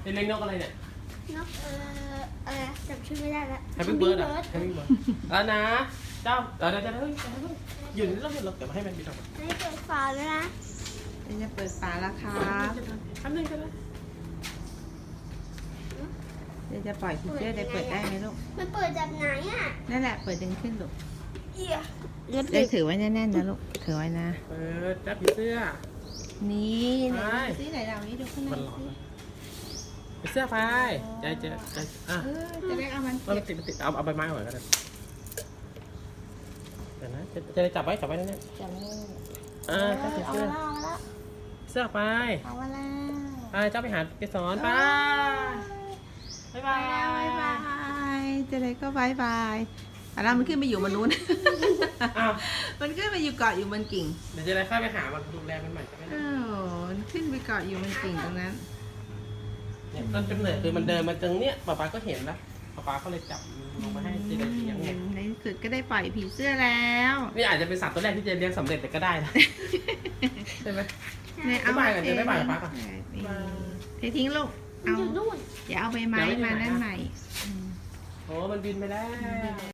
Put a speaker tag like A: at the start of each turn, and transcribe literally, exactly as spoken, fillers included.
A: เลี้ยงนกอะไรเนี่ย
B: นกเอ่ออะไรจำชื่อไม่ได้แล้ว
A: แฮปปี้เบิร์ดอ่ะแฮปปี้เบิร์ดแล้วนะเจ้าเดี๋ยวเดี๋ยวเดี๋ยวหยุดแล้วหยุดแล้วเดี๋ยวมาให้มันบินออกมา
B: ให้เปิดฝาแล้วนะ
C: เดี๋ยวจะเปิดฝาแล้วครับ
A: ทำหนึ่งก็ได้
C: เดี๋ยวจะปล่อยผีเสื้อได้เปิดได้ไหมลูก
B: มันเปิดจากไหนอ่ะ
C: นั่นแหละเปิดดึงขึ้นลูก
B: เอีย
C: ได้ถือไว้แน่นๆนะลูกถือไว้นะ
A: เปิดจับผีเสื้อ
C: นี่ไหน
A: ไป
C: ดูซิไหนเรานี้ดูข้างใน
A: มันร้อน
C: สิ
A: ผีเสื้อไปใจใจใจอ่ะ
C: เออจะได้เอามัน
A: มันติดมันติดเอาเอาใบไม้ก่อนก็ได้เดี๋ยวนะจะจะได้จับไว้จับไว้แน่ๆ
C: จะไม่
A: อ่าจับผี
B: เอา
A: เสื้อ
B: มาแล้ว
A: เสื้อไป
C: เอามาแล้ว
A: ไปเจ้าไปหาเกสรไปบ๊ายบา
C: บาย
A: ย
C: บายจะได้ก็บายบายอ่ะแล้วมันขึ้นไปอยู่บนนู้น
A: อ้าว
C: มันขึ้นไปอยู่เกาะอยู่บนกิ่ง
A: เดี๋ยวจะได้เข้าไปหามันดูแลมันใหม่จะไม่ได้
C: โอ้โหมันขึ้นไปเกาะอยู่บนกิ่งตรงนั้น
A: เนี่ยต้นกำเนิดคือมันเดินมาตรงเนี้ยป๊าป๊าก็เห็นแล้วป๊าป๊าก็เลยจับลงมาให้เจเดเลี้ยงไง
C: ในที่สุดก็ได้ปล่อยผีเสื้อแล้ว
A: นี่อาจจะเป็นสัตว์ตัวแรกที่เจเลี้ยงสำเร็จแต่ก็ได้นะใช่ไหม
C: เนี่ยเอา
A: บ๊ายบายก่อนเดี๋ยวบ๊ายบายกับป๊าก่อน
C: เททิ้งลูก
B: มัน
C: เอา
B: อยู่นู่น
C: อย่าเอาใบไม้มานั่นใหม่
A: โอ้มันบินไปแล้ว